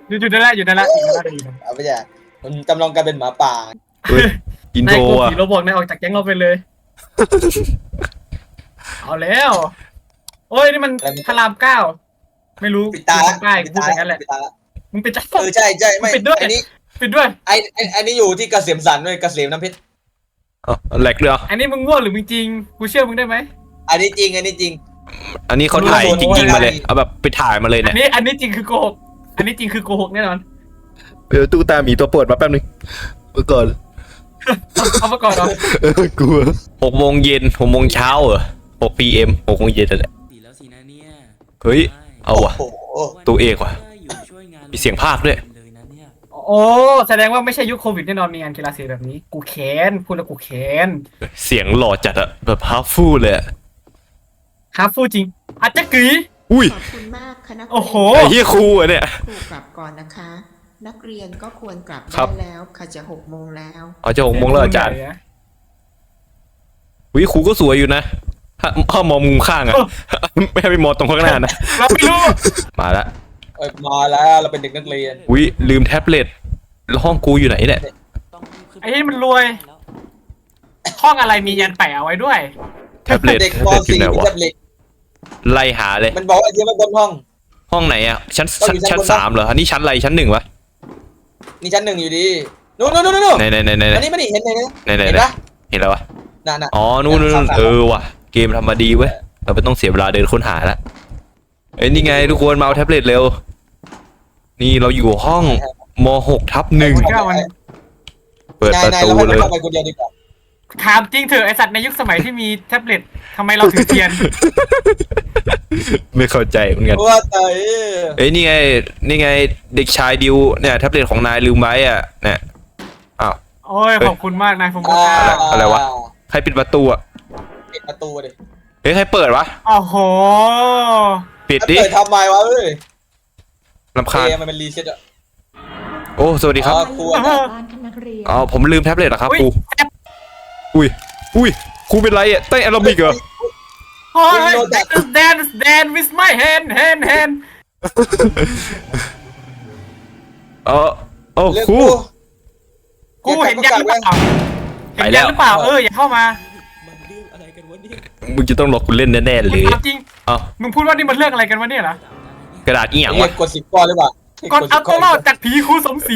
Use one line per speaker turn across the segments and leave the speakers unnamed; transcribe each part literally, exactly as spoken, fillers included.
อยู่อยู่ได้แล้วอยู่ได้แล้วอยู่ได้แล้วอยู่ได้แล้ว
เอาไปจ้ะมันจำลองการเป็นหมาป่า
เฮ้ยอิน
นาย
โทร
กลัว
อ่ะ
ผีโรบอทนายออกจากแก๊งเราไปเลย เอาแล้วโอ้ยนี่มันพระรามเก้าไม่รู้
ปิดตา
อยู่ทางใต้
ปิ
กู
ด
พูด
ตา
อย่างนั้นแหละ
ปิดตา
มึงปิดตา
เออใช่ใช่ไม่
ปิดด้วย
อันนี้
ปิดด้วย
ไอไอ้อันนี้อยู่ที่เกษมสันด้วยเกษมน้ำเพชร
อ๋อแหลกเลยเหรอ
อันนี้มึงง่วงหรือมึงจริงกูเชื่อมึงได้ไหม
อันนี้จริงอันนี้จริง
อันนี้เขาถ่ายจริงๆมาเลยเอาแบบไปถ่ายมาเลย
อั
เนี่ย
นนี้อันนี้จริงคือโกหกอันนี้จริงคือโกหกแน่นอน
เออตู้ตาหมีตัวโปรดมาแป๊บนึงเมื่อก่อน
เอามาก่อนเหรอ
เออกลัวหกโมงเย็นหกโมงเช้าเหรอหกปีเอ็มหกโมงเย็นนั่นแหละ
ดีแล้วสินะเนี่ย
เฮ้ยเอาว่ะ
โอ้โห
ตัวเอกว่ะ
อยู่ช่วยงาน
มีเสียงพากย์ด้วย
เลยนะเนี่ย
โอ้แสดงว่าไม่ใช่ยุคโควิดแน่นอนมีงานกีฬาสีแบบนี้ กูแค้นพูดแล้วกูแค้น
เสียงหล่อจัดอะแบบฮาร์ฟฟูลเลยอะ
ฮาฟูจริงอาจจะกรี
อุ้ย
ขอบคุณมากค่ะนักเรียน
โอ้โห
ไอ้เหี้ยครูอะเนี่ย
ครูกลับก่อนนะคะ นักเรียนก็ควรกลับ
ครั
ได้
บ
แล้วค่ะจะหกโมงแล้ว
เอาจะหกโมงแล้วอาจารย์วิครูก็สวยอยู่นะถ้าถ้ามองมุมข้างอะไม่ให้ไปมองตรงข้างหน้านะ
เราไม่รู้
มาละ
เอ้ยมาแล้วเราเป็นเด็กนักเรียน
วิลืมแท็บเล็ตแล้วห้องกูอยู่ไหนเนี่ย
ต้องรีบขึ้น
ไอ้นี่มันรวย ห้องอะไรมียันแปะเอาไว้ด้วย
แท็บเล็ต
เด็ก
แท็บ
ป
เล็ตอยู่
สี่
ไหน
มี
วะ
แท็บเล็ต
ไล่หาเลย
มันบอกว่าไอ้เดียวไม่บนห้อง
ห้องไหนอะชั้น
ต้อง
ชั้น
มีชั้นบน
ชั้นสามเหรออันนี้ชั้นอะไรชั้นหนึ่งวะ
นี่ชั้นหนึ่งอยู่ดีนู่นนู่นนู่นนู่น
ไหนไหนไหนไหน
อันนี้ไม่ได้เห็นเลยนะ
ไหนไหน
เห็น
ไหน
ปะ
เห็นแล้ววะ
น่ะน่ะ
อ๋อนู่นนู่นนู่น
สามสาม
เออว่ะเกมทำมาดีเว้ยเราไม่ต้องเสียเวลาเดินค้นหาละเอ้ยนี่ไงทุกคนมาเอาแท็บเล็ตเร็วนี่เราอยู่ห้องมหกทับหนึ่ง
เก้าวัน
เปิด
นาย
ประ
นาย
ตู
เราให้
เล
มัน
ย
เข้าไปคนเดียวดีกว่า
ถามจริงเถอะไอสัตว์ในยุคสมัยที่มีแท็บเล็ตทำไมเราถือเทียน
ไม่เข้าใจเหมือนกัน
ว่าแต่
เอ้ยนี่ไงนี่ไงเด็กชายดิวเนี่ยแท็บเล็ตของนายลืมไว้อ่ะเนี่ยอ้าว
โอ้ยขอบคุณมากนายฟง
อ่า
ศ์
อะไรวะ ใครปิดประตูอ่ะ
ปิดประตูดิ
เอ้ยใครเปิดวะ
โอ้โห
ปิด
แล้ว
ดิ
เปิดทำไมวะเอ้ย
รำคาญ
เกมมันเป็นรีเซ็ตอะ
โอ้สวัสดีครับ
อ๋อครูอะ
บ้านท่านนักเรียน
อ๋อผมลืมแท็บเล็ตเหรอครับ
อุ๊ย
ครูอุ้ยอุ้ยครูเป็นไรอ่ะเต้นแอโรบิกเหรอ
โอ้ย dance dance with my hand hand hand
เออโอ้
เรื่อง
ครู
กู
กูเห็นยันหรือเปล่า
ไป
เห็น
แล้
ยัน
ว
หรือเปล่าเอออย่าเข้ามา
มันเรื่องอะไรกันวะเนี่ย
มึงจะต้องหลอกกูเล่นแน่ๆเลย
ถามจริง
เอ้า
มึงพูดว่านี่มันเรื่องอะไรกันวะเนี่ยเหรอก
ระดาษอีหยัง
เรี
วะ
ยกกดสิบก้อนหรือเปล่า
ก่อนเอาตัวรอดจากผีครูสมศรี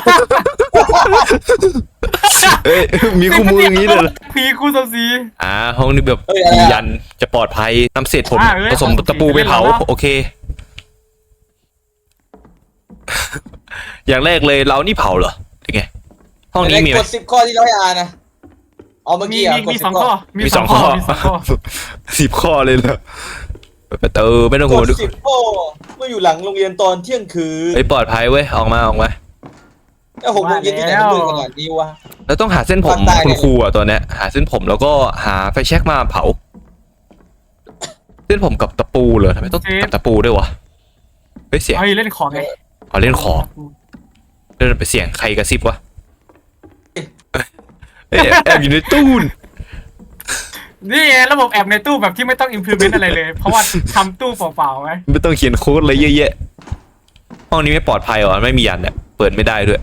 เอ้ยมีคู่มืออย่างนี้เลยเหรอ
ผีครูสมศรี
อ่าห้องนี้แบบมียันจะปลอดภัยนำเศษผม
อ่าเอ้ย
ผสมตะปูไปเผา
เล่นแล้ว
โอเค อย่างแรกเลยเรานี่เผาเหรอเป็นไงห้องนี้มีไหม
กดสิบข้อที่เราให้อ่านนะเอาเมื่อ
มี
กี้อะ
มี
กด
มี
สิ
ส
บ
อง
ข้
ข้
อ
อ
มีสองข้อ
มีสองข้อ
สิบข้อเลยเหรอเปิดประตูไม่ต้อง
ก
ห่วง
ดสิบข้อเมื่ออยู่หลังโรงเรียนตอนเที่ยงคืน
ไอ้ยปลอดภัยเว้ยออกมาออกมา
แล้วหกโมงเย็นที่ไหนมันมืดขนาดนี้วะ
แล้วต้องหาเส้นผม
ภาคใต้
คุณครูอ่ะตัวเนี้ยหาเส้นผมแล้วก็หาไฟแช็กมาเผา เส้นผมกับตะปูเหรอทำไมต้องกับตะปูด้วยวะเฮ้ยเสียง
เฮ้ยเล่นของไง
อ๋อเล่นของเล่นไปเสียงใครกระซิบวะเอ้ยแอบอยู่ในตู้น
นี่ไงระบบแอบในตู้แบบที่ไม่ต้อง implement อะไรเลย เพราะว่าทำตู้เปล่าๆไว้
ไม่ต้องเขียนโค้ดอะไรเยอะแยะห้องนี้ไม่ปลอดภัยหรอไม่มียันเนี่ยเปิดไม่ได้ด้วย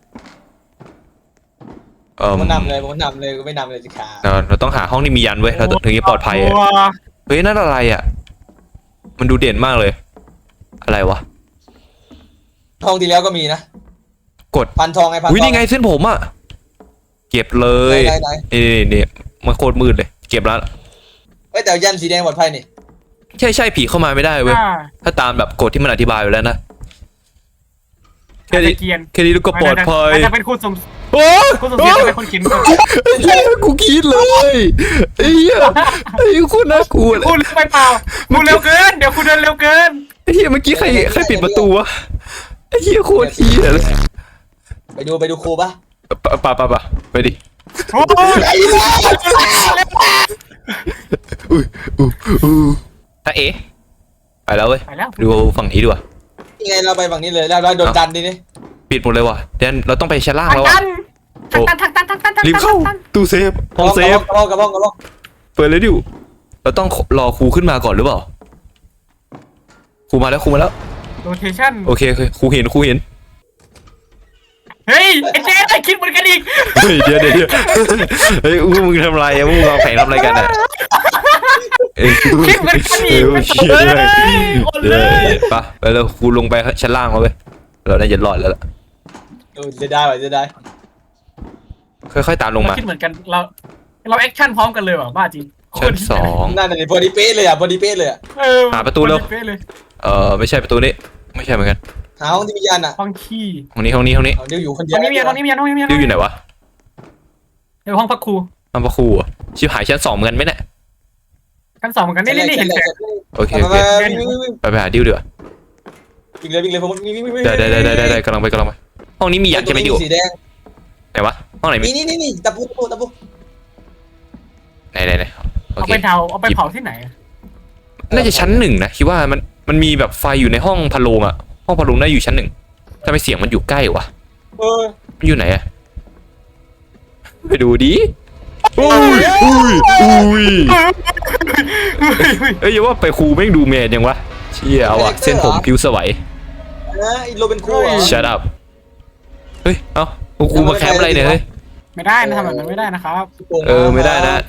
เออ
ผมนำเลยผมนำเลยก็ไม่นำเลยสิครับ
เราเราต้องหาห้องที่มียันเว้ยเราถึงจะปลอดภัยอะ
กลัว
เฮ้ยนั่นอะไรอ่ะมันดูเด่นมากเลย อะไรวะ
ทองที่แล้วก็มีนะ
กด
พันทองไงพันทอง
อุ้ยนี่ไงเส้นผมอ่ะเก็บเลย
ไหนไหน
นี่นี่นี่มันโคตรมืดเลยเก็บแล้ว
เอ้ยแต่ยันสีแดงปลอดภัยนี่
ใช่ใช่ผีเข้ามาไม่ได้เว้ย
อ่า
ถ้าตามแบบกฎที่มันอธิบายไว้แล้วนะแค่
อาจ
นี้
จะเกรียน
แค่นี้ก็ปลอดภัย
อาจจะเป็นครูสม
โอ้
ครูสมศรีจะเป็นคนเขียนกฎ
เฮ้ยกูคิดเลยไอ้เหี้ยไอ้คุณน่ากลัวเลย
พูดเร็วไปเปล่าพูดเร็วเกินเดี๋ยวคุณเดินเร็วเกิน
ไอ้เหี้ยเมื่อกี้ใครใครปิดประตูวะไอ้เหี้ยโคตรเหี้ยเลย
ไปดูไปดูครูปะ
ปะปะปะปะไปดิ
โอ้ย
อุ้ยอู้อู้ถ้าเอ๋ไปแล้วเว้ย
ไปแล้ว
ดูฝั่งนี้ดีกว่า
ยังไงเราไปฝั่งนี้เลยแล้วเราโดนดันดินี่
ปิดหมดเลยว่ะเดนเราต้องไปชั้นล่าง
ทาง
แล้ว
ตั
อ่ะ
นทางตันทางตันทางตันทางตัน
รีบเข้าตู้เซฟห้องเซฟ
กระบ้องกระบ้องกระบ้อง
เปิดเลยดิวเราต้องรอครูขึ้นมาก่อนหรือเปล่าครูมาแล้วครูมาแล้ว
โรเทชั่น
โอเคโอเคครูเห็นครูเห็น
เฮ้ยไอ้เจ๊ไอ้คิดเหมือนกันอีก
เฮ้ยเดี๋ยวเดี๋ยวเดี๋ยวเฮ้ยอู้มึงทำไรอะมึงวางแผนทำอะไรกันอะเอ้ย
คิดเหมือนกันอี
เอ้
ก
ย
ไม่
เชี่ย
เล
เลย
ยอด
เดี๋
เลย
วย ไปไปแล้วกูลงไปชั้นล่างแล้วเว้ยเราน่าจะรอดแล้วล่ะ
เออจะได้ว่ะจะได้
ค่อยๆตามลงมา
คิดเหมือนกันเราเราแอคชั่นพร้อมกันเลยว่ะบ้าจริง
ชั้นสอง
นั่นน่ะนี่พอดีเป๊ะเลยอ่ะพอดีเป๊ะเลยอ่ะ
เออ
หาประตูเร็ว
ป๊ะเลย
เออไม่ใช่ประตูนี้ไม่ใช่เหมือนกัน
หาห้องที่มียันอ่ะ
ห้องขี้
ห้องนี้ห้องนี้ห้องนี้
เอาเดี๋ยวอยู่คนเดี
ห้
ย
อ
ว
งนี้มีห้องนี้มีห้องนี้มีห้อง
ดิวอยู่
นี้
ไหนวะ
เดี๋ยวห้องพักครู
ห้องพระครูอะชิบหายชั้นสองเหมือนกันไหมเนี่ย
ชั้นสองเหมือนกันนี่นี่นี่เห็นแสง
โอเค
ไป
โอ
ไป
เค
ไปวิ่งวิ่งวิ่ง
ไปไปหาดิวดีกว่า
วิ่งเลยวิ่งเลยผมวิ่งวิ่งวิ่งวิ่ง
ได้ได้ได้ได้ได้กำลังไปกำลังไปห้องนี้มียันใช่ไหมดิว
สีแดง
ไหนวะห้องไหนมี
นี่นี่นี่นี่ตะปูตะปูตะปู
ไหนไหนไหนโอ
เอา
เค
ไปเผาเอาไปเผาที่ไหนอะ
น่าจะชั้นหนึ่งนะคิดว่ามันมันมีแบบไฟอยู่ในห้องพะโลงอะห้องพะโลงน่าอยู่ชั้นหนึ่งทำไมเสียงมันอยู่ใกล้วะ
เออ
มันอยู่ไหนอะไปดูดิอุ้ยอุ้ยอุ้ย
เฮ้ยเฮ้ย
เอ้ยอย่าว่าไปครูแม่งดูแมนยังวะเชี่ยเอาอะเส้นผมผิวสวย
นะไอ้โรเบนคูอ่ะ
shut up เฮ้ยเอ้าครูมาแคมป์อะไรเนี่ยเฮ้ย
ไม่ได้นะทำแบบนั้นไม่ได้นะครับ
เออไม่ได้นะ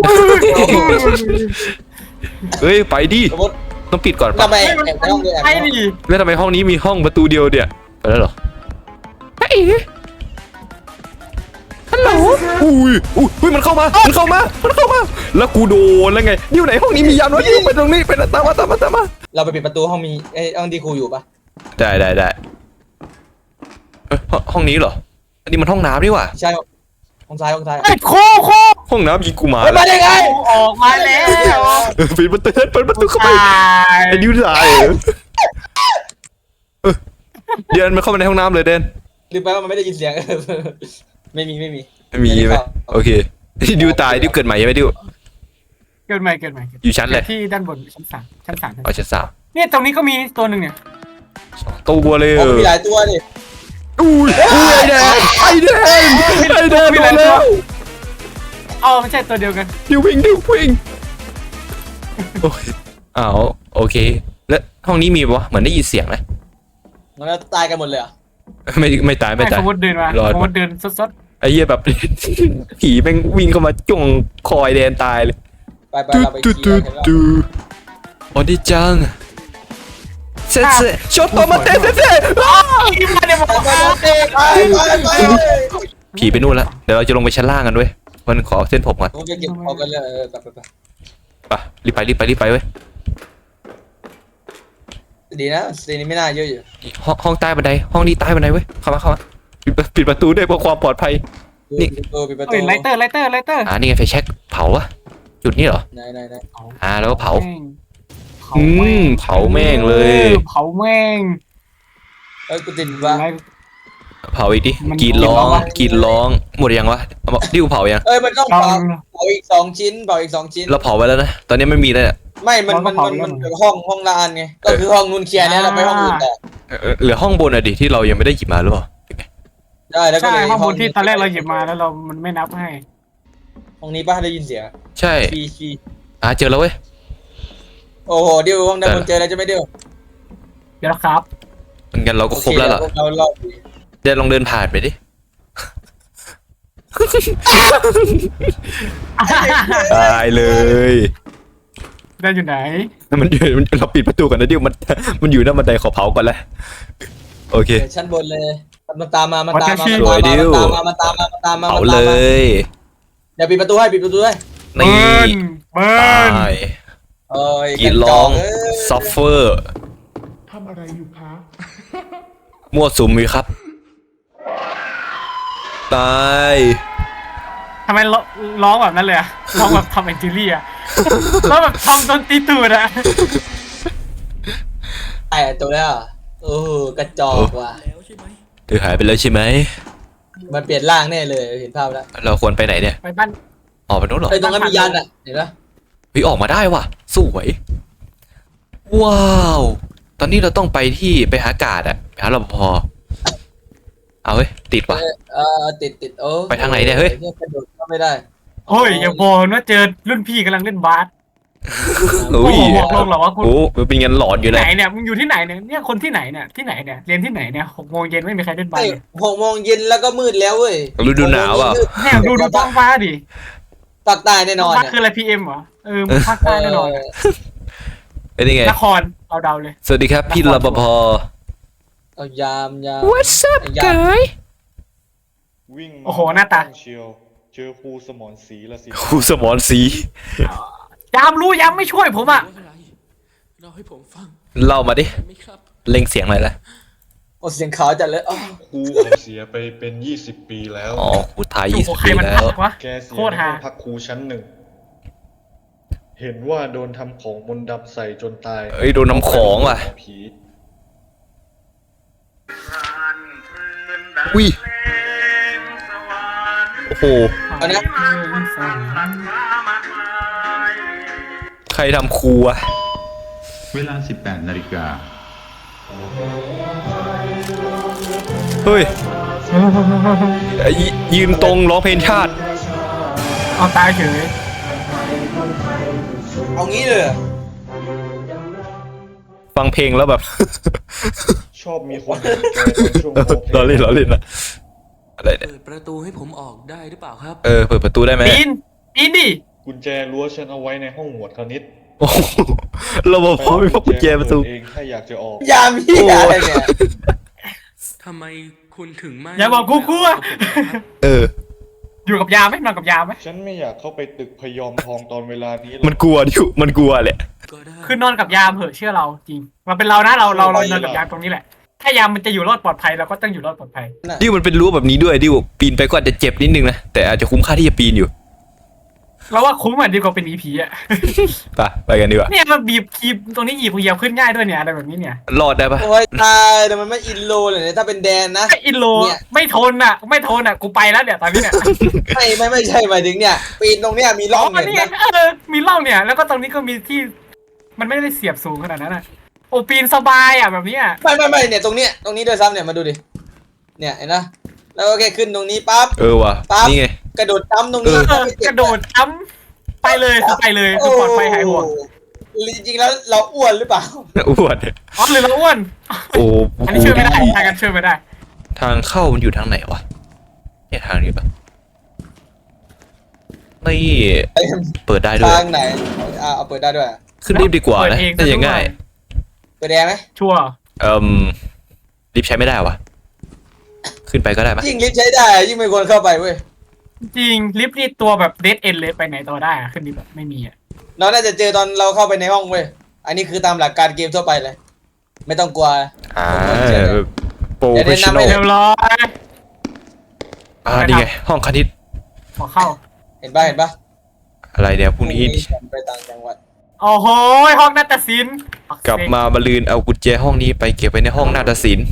เฮ้ยไปดิ
สมมติ
ต้องปิดก่อนปะ
ทำไมแอบในห้องเลยแอบ
ไอ้
ในห้อง
ดิ
แล้วทำไมห้องนี้มีห้องประตูเดียวเดียวไปแล้วเหรอเฮ้ยฮัลโหลอุ้ยอุ้ยอุ้ยมันเข้ามามันเข้ามามันเข้ามาแล้วกูโดนแล้วไงอยู่ไหนห้องนี้มียันวะอยู่ไปตรงนี้ไปตามมาตามมาตามมา
เราไปปิดประตูห้องมีไอ้ห้องที่ครูอยู่ปะ
ได้ได้ได้เอ้ยห้องห้องนี้เหรออันนี้มันห้องน้ำนี่หว่า
ใช่ห้องซ้ายห้องซ้าย
ไอ้โคโค
ห้องน้ำยิงกูมา
เฮ้ยมาได้ไง
ออกมาแล้ว
เออปิดประตูเปิดประตูเข้าไป
ตาย
ไอ้ดิวตายเหรอเออเดินมาเข้ามาในห้องน้ำเลยเดน
ลืมไปว่ามันไม่ได้ยินเสียง ไม่มีไม่มี
ไม่มีไหมโอเคดิวตายดิวเกิดใหม่ใช่ไหมดิว
เกินใหม่เกินใหม่
อยู่ชั้นเลย
ที่ด้านบนชั้นสามชั้นสามชั้น
เอาชั้นสาม
เนี่ยตรงนี้ก็มีตัวหนึ่งเนี่ย
สองตัวเลย
อ๋
เอ
อ
อ
มีหลายตัวดิ
อุ้ยอุ้ยไอแดงไอแดงไอแดงมาแล้ว
อ๋อไม่ใช่ตัวเดียวกัน
ดิววิ่งดิววิ่งโอ้ยอ้าวโอเค แล้วห้องนี้มีปะวะเหมือนได้ยินเสียงนะ
มันจะตายกันหมดเลยเหรอ่ะ
ไม่ไม่ตายไม่
ไม่
ตาย
สมมติเดินมาร
อด
สมมติเดินสด
ไอ้เหี้ยแบบ ผีแม่งวิ่งเข้ามาจ้วงคอยแดนตายเลย
ไปไป
ตู
เราไป
ตู
เคลี
ตู
ยร์กันแล้ว
ตูโอ้ดิจังเซ่เซ่ชดตัวมาเต้เซ่เซ่อ้า
ๆอีมาเนี่ยบอก
ไป
ว่า
ไปไปไป
ผีไปนู่นแล้วเดี๋ยวเราจะลงไปชั้นล่างกันด้วยมันขอเส้นผมก่อน
ผมจะเก็บของกันเลยเออไปไปไป
ไปรีบไปรีบไปรีบไปเว้ย
ดีนะซีนี้ไม่น่าเยอะอยู่
ห้องห้องใต้บันไดห้องนี้ใต้บันไดเว้ยเข้ามาเข้ามาปิดประปิดประตูด้วยเพื่อความปลอดภัย นี่
ปิดประตูปิดประตู
เฮ้ยไลเตอร์ไลเตอร์ไลเตอร์
อ่านี่ไงไฟแช็กเผาวะจุดนี้เหรอ
ไหนไหนไหน
อ่าแล้วก็เผา
เผาแม่ง
อืมเผาแม่งเลย
ออเผาแม่ง
เอ้ยกูติดว่า
อะไร
เผาอีกดิ
มัน
กรีดร้อง
กรีดร้องวะ
กรีดร้องหมดยังวะเอาบอกดิวเผายัง
เอ้ยมันต้อง
ลอ
เผาง เผาอีกสองชิ้นเผาอีกสองชิ้น
เราเผาไว้แล้วนะตอนนี้ไม่มีแล้วเนี่ย
ไม่มันมันมันมันเป็นห้องห้องละอันไงก็คือห้องนูนเคลียร์เนี่ยเราไปห้องอื่นต่อ
เออเหลือห้องบนอะดิที่เรายังไม่ได้หยิบมาหรือเปล่า
ได้แล้วก็
ใช่
เลย
ข้อมูลที่ตอนแรกเราหยิบมาแล้วเรามันไม่นับให้
ห้องนี้ป้าได้ยินเสียง
ใช่
ชีชี
อ่าเจอแล้วเว้ย
โอ้โหเดี๋ยวห้องนั้นมันเจออะไรจะไม่เดียว
เดี๋ยวครับ
งั้นเราก็ครบแล้วล่ะ
เราเรา
เดี๋ยวลองเดินผ่านไปดิตายเลย
ได้อยู่ไหน
มันอยู่มันเราปิดประตูก่อนนะดิวมันมันอยู่หน้าบันไดขอเผาก่อนแล้วโอเค
ชั้นบนเลยมันตามมามันตามมา
สวยดิว
มันตามมามันตามมา
เผาเลย
เดี๋ยวปิดประตูให้ปิดประตูให้
นี่
เบิ
ต
ร์น
าย
เอ้ย
กรีดร้องซัฟเฟอร์
ทำอะไรอยู่คะ
มั่วสุมมีครับตาย
ทำไมร้องร้องแบบนั้นเลยอะร้องแบบทำแอนจิลี่อะร้องแบบทำดนตรีตูดอะ
ไอ้ตัวเนี้ยเออกระจอกว่ะ
แล้วใช่ไหม
เธอหายไปแล้วใช่ไหม
มันเปลี่ยนร่างแน่เลยเห็นภาพแล้ว
เราควรไปไหนเนี่ย
ไปบ้าน
ออกไปโน้นเหรอ
ไอ้ตรงนั้นมียันอ่ะเห็นปะ
เฮ้ยออกมาได้ว่ะสวยว้าวตอนนี้เราต้องไปที่ไปหากาดอะไปหารปภเอาเฮ้ยติดว่ะ
เออติดติดโอ้
ไปทางไหนเนี่ยเฮ้ย
กระโดดก็ไม่ได้
โอ้ยอย่าบอกนะเจอรุ่นพี่กำลังเล่นบาส
โอ้
โอ้
ย
โหบอกลงเหรอว่าคุณ
โอ้มันเป็นเงินหลอนอยู่
ไหน
นะ
เนี่ยมึงอยู่ที่ไหนเนี่ยเนี่ยคนที่ไหนเนี่ยที่ไหนเนี่ยเรียนที่ไหนเนี่ยหกโมงเย็นไม่มีใครเล่นบาส
ไอ้
เลย
หกโมงเย็นแล้วก็มืดแล้วเว้ย
ฤดูหนาวอ่ะ
เนี่ยดูดูท้องฟ้าดิ
ภาคใต้แน่นอน
ภาค
อะ
คืออะไรพีเอ็มเหรอเออภาคใต้แน่นอนอะ
เป็นยังไง
นครเอาเดาเลย
สวัสดีครับพี่รปภ
เอายามยาม
What's up
ยาม
guy
วิ่งมา
โอ้โหหน้าตา
เชียวเจอครูสมรศรีละสิ
ครูสมรศรี
ยามรู้ยามไม่ช่วยผมอ่ะ
ว่าอะไรเราให้ผมฟัง
เล่ามาดิ
ได้ไหมครับ
เล่งเสียงหน่อยละ
โอ้เสียงขาวจัดเลยอ้าว
ครูเขาเสียไปเป็นยี่สิบปีแล้ว
อ๋อครูไทย
โอ้
ยี่
โห
สิบ
ใคร
ปี
มัน
แล้ว
พักวะ
แกเสีย
โคตร
ใน
ฮา
ห้องพักครูชั้นหนึ่ง เห็นว่าโดนทำของมนต์ดำใส่จนตาย
เอ้ยโดนน้ำของว่ะ
ผี
อุ้ยโอ้โห
เอานะ
ใครทำครูวะ
เวลา สิบแปด นาฬิกา
เฮ้ยไอ้ยยืนตรงร้องเพลงชาติ
เอาตายเฉย
เอางี้เลยเหรอ
ฟังเพลงแล้วแบบ
ชอบมีคนเห็นแกตอนช่วงโมเพล
ล้อเล่นล้อเล่นนะอะไรเนี่ย
เปิดประตูให้ผมออกได้หรือเปล่าครับ
เออเปิดประตูได้ไหม
ปีนปีนดิ
กุญแจรั้วฉันเอาไว้ในห้องหมวดคณิต
โอ้โหเราบอกพอไม่พกกุญแจประตู
เองถ้าอยากจะออก
ยามเหี้ยอะไรเนี่ย
ทำไมคุณถึงไม่
อย่าบอกกูกลัว
เออ
อยู่กับยามไหมนอนกับยามไหม
ฉันไม่อยากเข้าไปตึกพยอมทองตอนเวลานี้หร
มัน
อก
กลัวดิวมันกลัวแหละ
ก็ได้
คือนอนกับยามเหอะเชื่อเราจริงมันเป็นเรานะเราเราเรานอนกับยามตรงนี้แหละถ้ายามมันจะอยู่รอดปลอดภัยเราก็ต้องอยู่รอดปลอดภัย
ดิวมันเป็นรั้วแบบนี้ด้วยดิวปีนไปก็อาจจะเจ็บนิดนึงนะแต่อาจจะคุ้มค่าที่จะปีนอยู่
เราว่าคุ้มอ่ะดีกว่าเป็นอีผีอ่ะ
ไปไปกันดีกว่า
เนี่ยมันบีบคีบตรงนี้หยิบเหยียบขึ้นง่ายด้วยเนี่ยอะไรแบบนี้เนี่ย
รอดได้ปะ
โอ้ยตายแต่มันไม่อินโลเลยเนี่ยถ้าเป็นแดนนะ
ไออินโล
เนี่ย
ไม่ทนอ่ะ ไม่ทนอ่ะกูไปแล้วเนี่ยตอนนี้เนี่ย
ไม่ไม่ไม่ใช่หมายถึงเนี่ย ปีนตรงเนี้ยมีร่อง
อ๋อ
เห็น
นี่
ไห
ไง
ม
เออมีร่องเนี่ย แล้วก็ตรงนี้ก็มีที่ มันไม่ได้เสียบสูงขนาดนั้นอ่ะโอ้ปีนสบายอ่ะแบบเนี้ย
ไม่ไม่ไม่เนี่ยตรงเนี้ยตรงนี้ด้วยซ้ำเนี่ยมาดูดิเนี่ยเห็นนะแล้วก็แค่ขึ้นตรงนี้ปั๊บ
เออว่ะ
ปั๊บ
นี่ไง
กระโดดจ้ำตรงนี้
เออกระโดดจ้ำไปเลยคือไปเลยคือปลอดภัยหายห่วง
โอ้จริงๆแล้วเราอ้วนหรือเปล่า
อ้วน
อ๋อหรือเราอ้วน
โอ้
อันนี้ช่วยไม่ได้ทางกันช่วยไม่ได้
ทางเข้ามันอยู่ทางไหนวะเนี่ยทางนี้ปะนี่เปิดได้ด้วย
ทางไหนอ่าเอาเปิดได้ด้วย
ขึ้นรีบดีกว่านะน่าจะง่าย
เปิดแอร์ไหม
ชัวร์
เอ่มรีบใช้ไม่ได้วะขึ้นไปก็ได้ปะ
ยิ่งลิฟต์ใช้ได้ยิ่งไม่ควรเข้าไปเว้ย
จริงลิฟต์นี่ตัวแบบเดดเอ็นเลยไปไหนต่อได้อะขึ้นลิฟต์แบบไม่มีอ่ะ
เราน่าจะเจอตอนเราเข้าไปในห้องเว้ยอันนี้คือตามหลักการเกมทั่วไปเลย ไม่ต้องกลัว
อ่าโปรเฟชชั่นอล
เรียบร้อย
อ่านี่ไงห้องคณิต
ขอเข้า
เห็นปะเห็นปะ
อะไรเนี่ยพรุ่งนี้
ไปต่างจังหวัด
โอ้โหห้องนาฏศิลป์
กลับมาบรรลืนเอากุญแจห้องนี้ไปเก็บไว้ในห้องนาฏศิลป์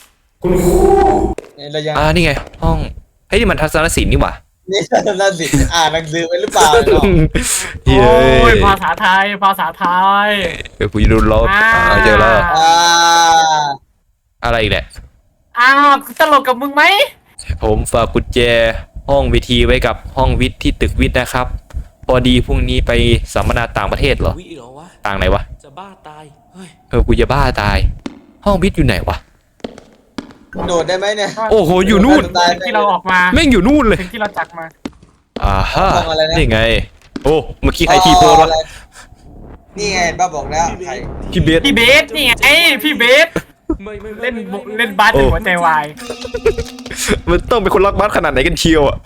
นี่เรายัง
อ่านี่ไง ห้องเฮ้ยนี่มันทัศนศิลป์นี่หว่า
นี่น่าสิอ่านหนังสือไปหรือเปล่าเนาะ
เฮ้
โอ้ย
ย
ภาษาไทยภาษาไทย
เดี๋ยวกูจะโดนลบ
อ่า
อ่าเจอแล้ว
อ่า
อะไรอีกแหละ
อ้าวตลกกับมึงไหม
ผมฝากกุญแจห้องวิทีไว้กับห้องวิทย์ที่ตึกวิทย์นะครับ พอดีพรุ่งนี้ไปสัมมนาต่างประเทศเหรอ
วิเหรอวะ
ต่างไหนวะ
จะบ้าตาย เฮ้ย
เออกูจะบ้าตาย ห้องวิทย์อยู่ไหนวะ
โดดได้ไหมเนี่ย
โอ้โหอยู่นู่น
ตาย
ที่เราออกมา
แม่งอยู่นู่นเลย
สิ่งที่เราจักมา
อ่าฮะ
ห้องอะไรนะ
นี่ไง โอ้เมื่อกี้ใครทีโพสวะ
นี่ไงบ้าบอกแล้วใคร
พี่เบส
พี่เบสนี่ไงพี่เบส
ไม่ไม่ไม่
เล่น
ไม่ไม่ไม่
เล่นบาสจนหัวใจวาย
มันต้องเป็นคนรักบาสขนาดไหนกันเชียวอ่ะ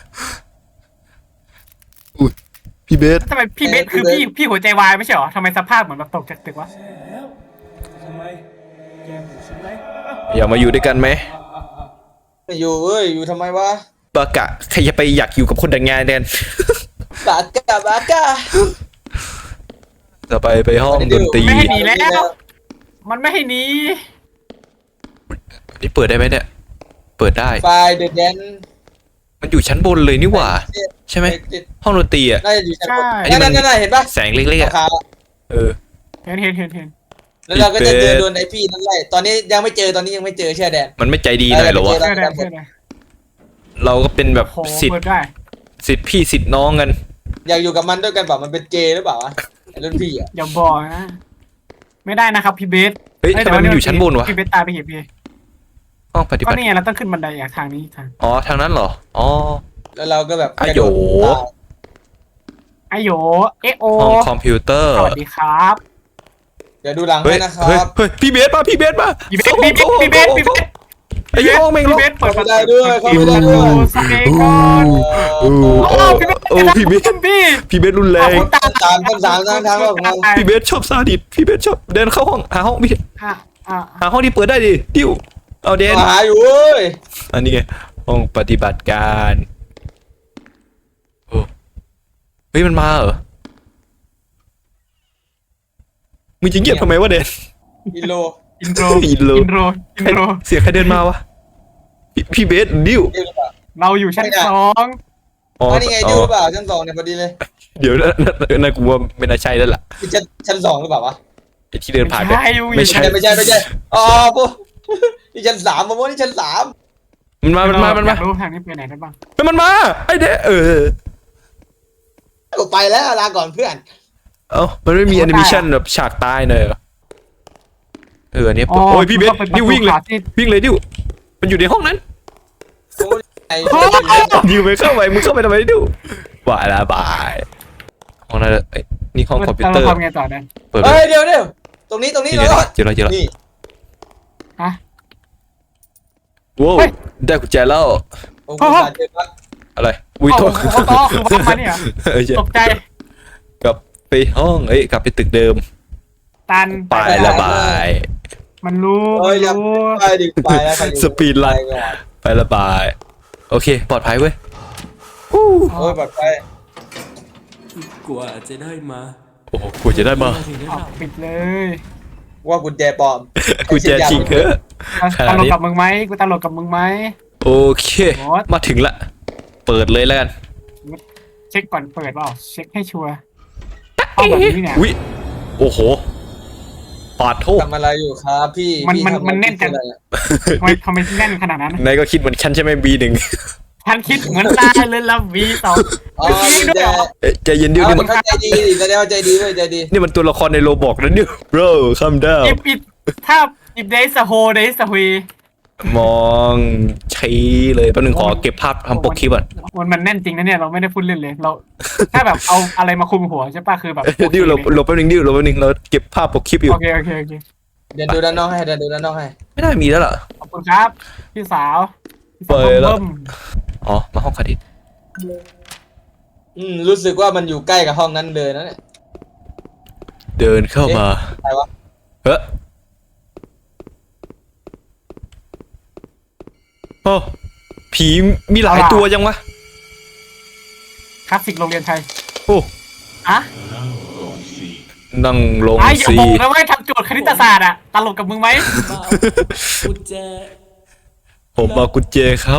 อุ้ยพี่เบส
ทำไมพี่เบสคือพี่พี่หัวใจวายไม่ใช่เหรอทำไมสภาพเหมือนแบบตกจากตึกวะ
อยากมาอยู่ด้วยกันไหม
ไม่อยู่เว้ยอยู่ทำไมวะ
บากะใครจะไปอยากอยู่กับคนแต่งงานแดน
บากาบากา
ต่อไปไปห้องดนตรี
ไม่ให้หนีแล้ว มันไม่ให้หนี
นี่เปิดได้ไหมเนี่ย เปิดได้
ไฟเดอะแดน
มันอยู่ชั้นบนเลยนี่หว่า ใช่ไหมห้องดนตรีอ่ะ
น่าจะอยู่ชั้นบน
อันนี้
นั่
มัน น
นั่นเห็นปะ
แสงเล็กๆอ่ะ
ขาว
เออ
เห็นเห็นเห็นเห็น
ๆแล้วเราก็จะเจอโดนไอพี่นั่นไล่ตอนนี้ยังไม่เจอตอนนี้ยังไม่เจอเชื่อแดน
มันไม่ใจดีหน่อยเหรอวะ
เชื่อได้เชื่อได้
เราก็เป็นแบบ
โอ้โห
สิท
เปิ
ธิ์
ดได้
สิทธิ์พี่สิทธิ์น้องกัน
อยากอยู่กับมันด้วยกันเปล่ามันเป็นเกย์หรือเปล่าวะรุ่นพี่อ่ะ
อย่าบอกนะไม่ได้นะครับพี่เบส
เฮ้ยทำไมมันอยู่ชั้นบนวะ
พี่เบสตายไปเหยียบพี่
ห้องปฏิ
ก็
บัติ
นี่ไงเราต้องขึ้นบันไดอ่ะทางนี้ทาง
อ๋อทางนั้นเหรออ๋อ
แล้วเราก็แบบ
อ่ะโห
ไอโยเอโอ
ห้องคอมพิวเตอร์
สวัสดีครับ
เดี๋ยวดูหลัง
เฮ้
ให้
ย
นะค
เฮ้ย
รับ
เฮ้ยพี่เบสมาพี่เบสมา
พี่เบสพี่เบสพี่เบสพี่เบส
ไอ้ห้องแม่ง
พี่
ล็อก
เบสเปิด
เข้าไม่ได้ด้วยเข้าไม่ได้
โอ้
ด้วย
สเปกก่อน
โอ้โห
โอ้พี่เบส
โอ้พี่เบส
พี่
พี่เบสรุนแร
เอา
ง
คุณตา
สามคนสามทางทางเราของเรา
พี่เบสชอบซาดิสพี่เบสชอบเดินเข้าห้องหาห้องพี่
อ่ะอ่ะ
หาห้องที่เปิดได้ดิดิวเอาเดน
หาอยู่เว้ย
อันนี้ไงห้องปฏิบัติการโอ้เฮ้ยมันมาเหรอมึงจะเงียบทำไมวะเดน
กิโล
อินโทร
อินโทร
อินโทรอินโทร
เสียงใครเดินมาวะพี่พี่เบสดิว
ดิวหรือเปล่า
เราอยู่ชั้นสอง
อ๋อ
อันนี้ไง
อ๋
ดิ
อ
วหรือเปล่าชั้นสองเนี่ยพอดีเลย
เดี๋ยวนะนะนะกูว่าไม่น่าใช่แล้วล่ะ
นี่ชั้นชั้นสองหรือเปล่าวะ
ไอ้ที่เดินผ่านไป
ใช่อยู่
ไม่ใช่
ไม่ใช่ไม่ใช่อ๋อปุ๊นี่ชั้นสามมาโมนี่ชั้นสาม
มันมามันมามัน
อ
มา
ยากรู้ทางนี้ไปไหนได้บ้าง
เฮ้ยมันมาไอ้เด้เออ
กูไปแล้วลาก่อนเพื่อน
เอ้ามันไม่มีแอนิเมชันแบบฉากตายเลยเหรอเออเนี่ยโอ้ยพี่เบสดิววิ่งเลยวิ่งเลยดิวมันอยู่ในห้องนั้น
โอ้ยไอ้
ดิวไปเข้าไปมึงเข้าไปทำไมดิวบายละบายห้องนั้นเอ้ยนี่ห้องคอมพิวเตอร์
เราทำไงต่อเนี่ย
เปิด
เฮ้ยเดี๋ยวเดี๋ยวตรงนี้ตรงนี้
เดี๋ยว
เรา
เจอแล้วเจอแล้ว
นี่
ฮะ
ว้าว
เฮ้ย
ได้กุญแจแล้ว
โอ้โหสารเจ็บมาก
อะไรอุ้ย
เอา
โทษ
เอาต่อคือว่ามาเนี่ยเหรอ
เออใช่
ตกใจ
กลับไปห้องเอ้ยกลับไปตึกเดิม
ตัน
ไปละบาย
มันรู้
เฮ้
มั
ย
น
อย่า
รู้
ไปดิไปแล้วใครอยู่
สปีดรัน
ไปก่อน
ไปละบาย โอเค ปลอดภัยเว้ย
โอ้ยปลอดภัย
กว่าจะได้มา
โอ้โหกูจะได้มา
ถึงได้
เอา
รับ
ปิดเลย
ว่ากุญแจปลอม
กูจะจริงเถอะ ข
ต
นาด
ลก
นี้
กับมึงไหมกูตลกกับมึงไหม
โอเค มาถึงละ เปิดเลยแล้วกัน
เช็คก่อนเปิดเปล่าเช็คให้ชัวร์เอาแบบนี้เนี่ย
อุ้ยโอ้โหปาดโทษ
ทำอะไรอยู่ครับพี่
มัน
พี่
มัน
ทำอะไร
มันแน่นจัง
อะไรอะ
ทำไมทำไมแน่นขนาดนั้น
นายก็คิดเหมือนฉันใช่ไหมบีหนึ่ง
ฉันคิดเหมือนตาเลยละวีสอง
อ๋อ
จริง
กุญ
ด้วย
แจ
เหรอ
ใจเย็นดิว
เอา
นี่
มั
มัน น
เข้าใจดีดิแสดงว่าใจดีเว้ยใจดี
นี่มันตัวละครในโรบอกนะดิว bro calm down
อิบอิบถ้าอิบเดสโฮเดสฮวี
มองชี้เลยแป๊บนึงขอเก็บภาพทำปกคลิปก่อน
มันมันแน่นจริงนะเนี่ยเราไม่ได้พูดเล่นเลยเรา ถ้าแบบเอาอะไรมาคุมหัวใช่ป่ะคือแบบ
ดิวหลบหลบแป๊บนึงดิวหลบแป๊บนึงเราเก็บภาพปกคลิปอยู่
โอเคโอเคโอเค
เดินดูด้านนอกให้เดินดูด้านนอกให้
ไม่น่ามีแล้วล่ะ
ขอบคุณครับพี่สาวพี่สาว
เปิดแล้ว
เบิ่ม
อ๋อ มาห้องคาดิส
อืมรู้สึกว่ามันอยู่ใกล้กับห้องนั้นเลยนะเนี่ย
เดินเข้ามา
ใครวะ
เฮ้ยโอ้ผีมีหลายตัวจังวะ
คลาสสิกโรงเรียนไทย
โอ้
อะ
นั่งลง
ไอ้อย่า
สี
บอกนะว่าให้ทำโจทย์คณิตศาสตร์อะตลกกับมึงไหม
บ้ากุญแจ
ผมมากุญแจครับ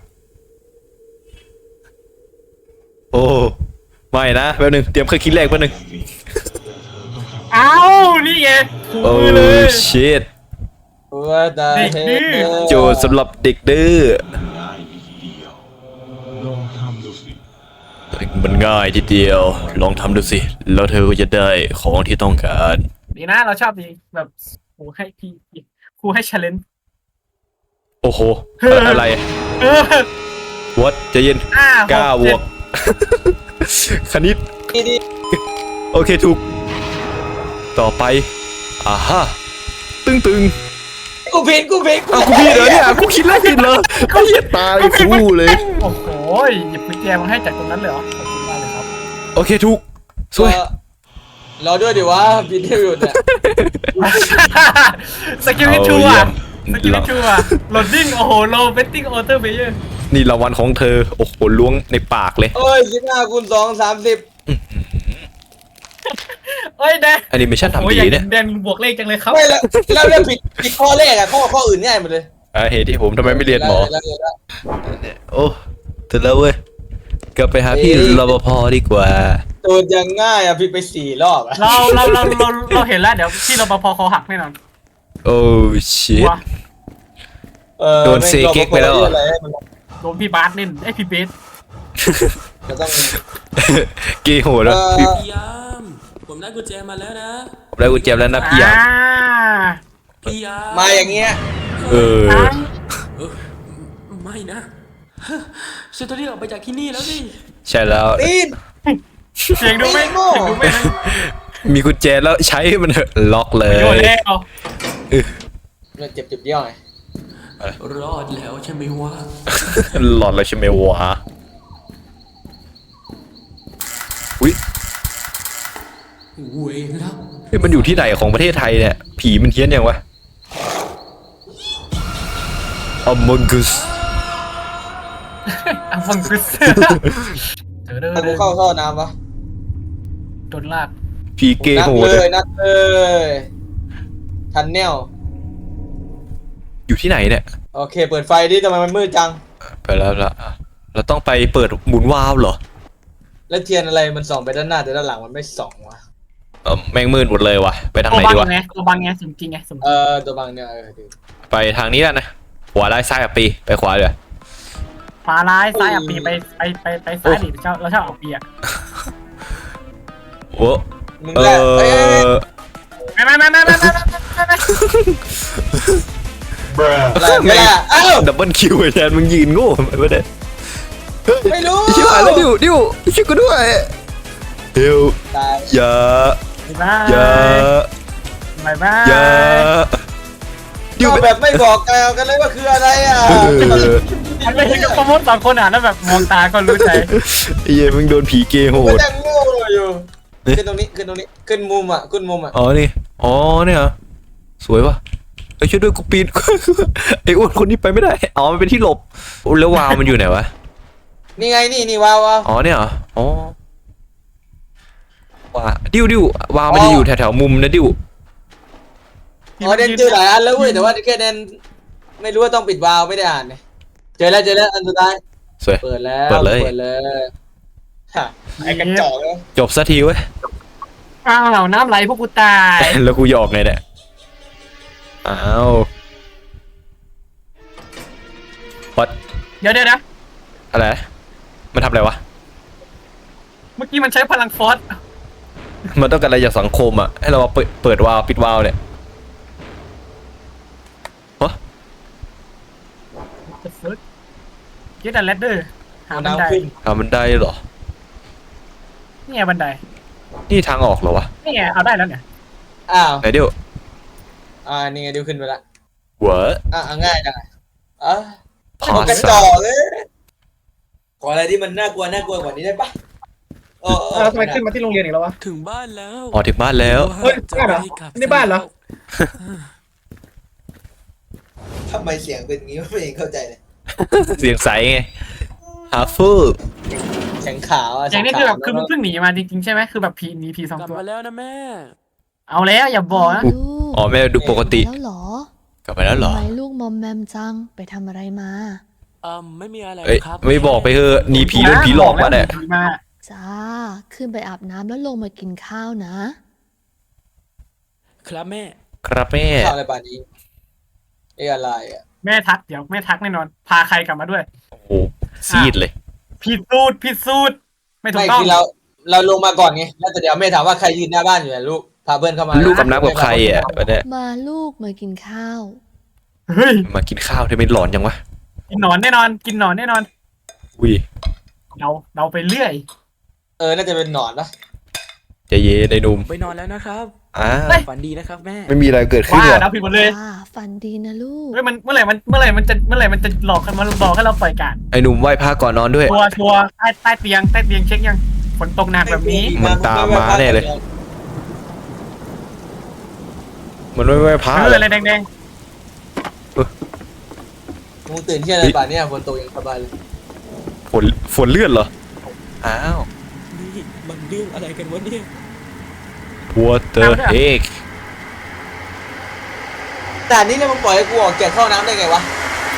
โอ้ ไม่นะแป๊บนึงเตรียมเครื่องคิดเลขแป๊บนึง
เอ้านี่ไงถู
โอ้
มือเลย
ชิต
ว่าแต่
เด็กดื้อ
โจทย์สำหรับเด็กดื้อมันง่ายทีเดียว ลองทำดูสิ แล้วเธอก็จะได้ของที่ต้องการ
ดีนะเราชอบดีแบบครูให้พี่ครูให้ challenge
โอ้โห
เฮ้ย
อะไร
เออ
วัดใจเย็น
ห้าห
เก้าบ
เจ็
ว
ด
ก คณิต
ดีดี
โอเคถูก ต่อไปอ่าฮะตึงตึง
กูผิดกูผิด
อ้าวกูผิดเหรอเนี่ยกูคิดแล้วผิดเหรอไอ้เหี้ยตายคู่เลย
โอ้โหหยิบกุญแจมาให้จากตรงนั้นเลยเหรอขอบคุณมากเลยครับ
โอเคถูกสวย
เออรอด้วยดิวะผิดที่อยู่เนี่ย
สกิลที่ชัวร์สกิลที่ชัวร์โหลดดิ้งโอ้โหโลเวตติ้งออเตอร์เบเยอร์
นี่รางวัลของเธอ โอ้โหล้วงในปากเลย
เอ้ยสิบห้าคูณสองสามสิบ
เอ้ยแดน
แอนิเมชัน
โอ้
ทำ
ย
ดี
อยาก
เนี่ย
แดนบวกเลขจังเลยครับ
ไม่แล้วแล้วเรื่องผิดผิดข้อแรกอะข้อข้ออื่นง่ายหมดเลย
อ่าเหตุที่ผมทำไมไม่เรียนหมอ
แล้วแล้วแล้ว
โอ้ถึงแล้วเว้ยกลับไปหาพี่รปภดีกว่า
ตัวยังง่ายอะผิดไปสี่รอบอะ
เราเราเราเราเราเห็นแล้วเดี๋ยวที่รปภคอหักแน่นอน
โอ้ชิต
ว้า
เออ
โดนเซเก๊กไปแล้วเหรอ
ม่งรอปภที่อะไรให้มัน
โดนพี่บาสเล่นไอยพี่เบส
จะต้อง
เกย์โหดแล้ว
เออ
พี่
พยายามผมได้กุญแจมาแล้วนะ
ผมได้กุญแจแล้วนะพี่ยาม
อ่า
พี่ยาม
มาอย่างเงี้ย
เออ
เออไม่นะฉันต้องรีบออกไปจากที่นี่แล้วสิ
ใช่แล้ว
ตีน
เสียงดูไม่เสียงดูไม่นะ
มีกุญแจแล้วใช้มันเถอะล็อกเลย
โดนแล้ว
มันเจ็บเจ็บเยี่ยวไง
รอดแล้วใช่ไหมวะ
หลอดเลยใช่ไหมวะอุ้ย
เว้ยแล้ว
เฮ้ยมันอยู่ที่ไหนของประเทศไทยเนี่ยผีมันเฮี้ยนยังวะ Among Us
อ่ะฟังคือเจอเด้อ
ถ้ากูเข้าท่อน้ำปะ
โดนลาก
ผีเกย์
นัด
โหด
เล
เลย ย
นัดเลยทันแนว
อยู่ที่ไหนเนี่ย
โอเค เปิดไฟดิทำไมมันมืดจัง
ไปแล้วละเราต้องไปเปิดหมุนวาล์วเหรอ
แล้วเทียนอะไรมันส่องไปด้านหน้าแต่ด้านหลังมันไม่ส่องวะ
เออแม่งมืดหมดเลยวะไปทาง
ตัว
ไหน
บั
ดีวะ
งไงตัวบังไงสมจริงไงสมจ
เอ
ริง
อตัวบังเนี่ยเออดี
ไปทางนี้แล้วนะขวาไล่ซ้ายกับปีไปขวาเลย
ขวาร้ายซ้ายอ่ะปีไปไปไปไปซ้ายดิเราชอบเราชอบเอาปีอ่ะ
โอ้
มึง
เอ
แหละเอ้ย
อ
ไม่ไม่ไม่ไม่ไม่ไม่ไม่
อะไรไม่ละเอ้า
ดับเบิลคิวไอ้แทนมึงยืนโง่ไปไม่ได้
ไม่รู้
ชิบหายแล้วดิวดิวช่วยกูด้วยเดี๋ยว
ตาย
อย่า
บาย
อย่า
บายบาย
อย่าดิว
ก็แบบไม่บอกกล่าวกันเลยว่าคืออะไรอ่ะ
เออ
มันไม่ใช่กับประมดสองคนอ่ะแล้วแบบมองตาก็รู้ใจ
ไอ้เหี้ยมึงโดนผีเกย์โห
ก็
ด
ยังโง่อยู่ขึ้นตรงนี้ขึ้นตรงนี้ขึ้นมุมอ่ะขึ้นมุมอ่ะ
อ๋อนี่อ๋อเนี่ยเหรอสวยป่ะเอ้ยช่วยด้วยกูปีน ไอ้อ้วนคนนี้ไปไม่ได้อ๋อมันเป็นที่หลบแล้ววาวมันอยู่ไหนวะ
นี่ไงนี่นี่ว้าวว้าว
อ๋อเนี่ยเหรออ๋อว่าดิวดิววาวมันจะอยู่แถวๆมุมนะดิว
อ๋อเดนเจอหลายอันแล้วเว้ยแต่ว่าแค่เดนไม่รู้ว่าต้องปิดวาล์วไม่ได้อ่านเนี่ยเจอแล้วเจอแล้วอันสุดท้าย
สวย
เปิดแล้ว
เปิดเลย
เปิดเลยฮะไอ้กระจอกเลย
จบสักทีเว้ย
อ้าวน้ำไหลพวกกูตาย
แล้วกูหยอกไงเนี่ยอ้าววัด
เดี๋ยวเดี๋ยวนะ
อะไรมันทำอะไรวะ
เมื่อกี้มันใช้พลังฟอส
มันต้องการอะไรจากสังคมอ่ะให้เรามาเปิดเปิดวาล์วปิดวาล์วเนี่ยฮะ
เกตอันเลดเดอร์หาบันได
น้ำขึ้น
ทำมันได้เหรอ
นี่ไงบันได
นี่ทางออกเหรอวะ
นี่ไงเอาได้แล้วเนี่ย
อ้าว
ไหนเดี๋ยว
อ่านี่ไงดิวขึ้นไปละ
หัว
อ่ะอ่ะง่ายจังอ่ะอ่ะ
พา
มันกระ
ส
จอกเลยขออะไรที่มันน่ากลัวน่ากลัวกว่านี้ได้ปะเออเออ
ทำไมขึ้นมาที่โรงเรียนอีกแล้ววะ
ถึงบ้านแล้ว
อ๋อถึงบ้านแล้ว
เฮ้ยบ้านเหรอนี่บ้านเหรอ
ทำไมเสียงเป็นงี้ไม่เองเข้าใจเลย
เสียงใสไงฮาฟู
เสียงขาวอ่ะ
อย่างนี้คือแบบคือมันเพิ่งหนีมาจริงๆใช่ไหมคือแบบผีหนีผีสอง
กลับ
ตัว
มาแล้วนะแม่
เอาแล้วอย่าบอกนะ
ลูก
อ๋อแม่ดูปกติ
แล้วเหรอก
ลับไปแล้วเหรอ
ทำไมลูกมอมแมมจังไปทำอะไรมา
อืมไม่มีอะไร
เอ้ย
ครับ
ไม่บอกไปเถอะหนีผีโดนผีหลอกมาเนี่ย
ผีมา
จ้า ขึ้นไปอาบน้ำแล้วลงมากินข้าวนะ
ครับแม่
ครับแม่
ข้าวอะไรป่านนี้เอ้อะไรอ่ะ
แม่ทักเดี๋ยวแม่ทักแน่นอน พาใครกลับมาด้วย
โอ้โหซีดเลย
ผิดสูตรผิดสูตรไม่ถู
ไม่
กต้อง
คือเราเราลงมาก่อนไงแล้วแต่เดี๋ยวแม่ถามว่าใครยืนหน้าบ้านอยู่อ่ะลูกพาเพื่อนเข้ามา
ลูกกับน้ำกับใครอ่ะวันเนี้ย
มาลูกมากินข้าว
เฮ้ย
มากินข้าวทำไมหลอนจังวะ
กินหนอนแน่นอน กินหนอนแน่นอน
อุ้ย
เราเราไปเรื่อย
เออน่าจะเป็นหนอนนะ
ใจเย็นไอ้หนุ่ม
ไปนอนแล้วนะครับ
อ่า
ฝันดีนะครับแม่
ไม่มีอะไรเกิดขึ้น
ว่า
หรอก
เราผิดหมดเลย
จ้า ฝันดีนะลูก
เฮ้ยมันเมื่อไหร่มันเมื่อไหร่มันจะเมื่อไหร่มันจะหลอกกันมาหลอกให้เราปล่อยการ
ไอ้หนุ่มไหว้พระก่อนนอนด้วย
ชัวร์ชัวร์ใต้ใต้เตียงใต้เตียงเช็คยังฝนตกหนักแบบนี้
มันตามมาแน่เลย มันไม่ไหว้พระ
เออ
เลย
อะไรแดง
มึงตื่นเที่ยงอะไรป่านเนี้ยฝนตกอย่างสบายเลย
ฝนฝนเลื่อนเหรอ อ้าว
นี่มันเรื่องอะไรกันวะเนี่ย
What the heck
แต่อันนี้เนี่ยมึงปล่อยให้กูออกจากเข้าน้ำได้ไงวะ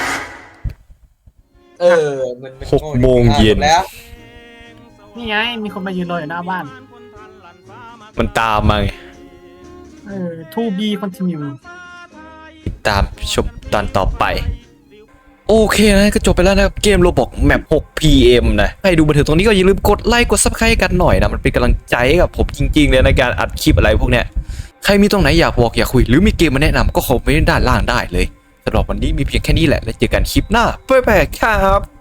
เออมันมัน
หกโมงเย็น
อ่ะจบแล้ว
ๆนี่ไงมีคนมายืนรออยู่หน้าบ้าน
มันตามมาไง
เออ to be continue
ติดตามชมตอนต่อไป โอ้โอเคนะก็จบไปแล้วนะครับเกมโรบอกแมป หก พี เอ็ม นะใครดูมาถึงตรงนี้ก็อย่าลืมกดไลค์กด ซับสไครบ์ กันหน่อยนะมันเป็นกำลังใจให้กับผมจริงๆเลยในการอัดคลิปอะไรพวกเนี้ยใครมีตรงไหนอยากบอกอยากคุยหรือมีเกมมาแนะนำก็คอมเมนต์ด้านล่างได้เลยสำหรับวันนี้มีเพียงแค่นี้แหละแล้วเจอกันคลิปหน้าบ๊ายบายครับ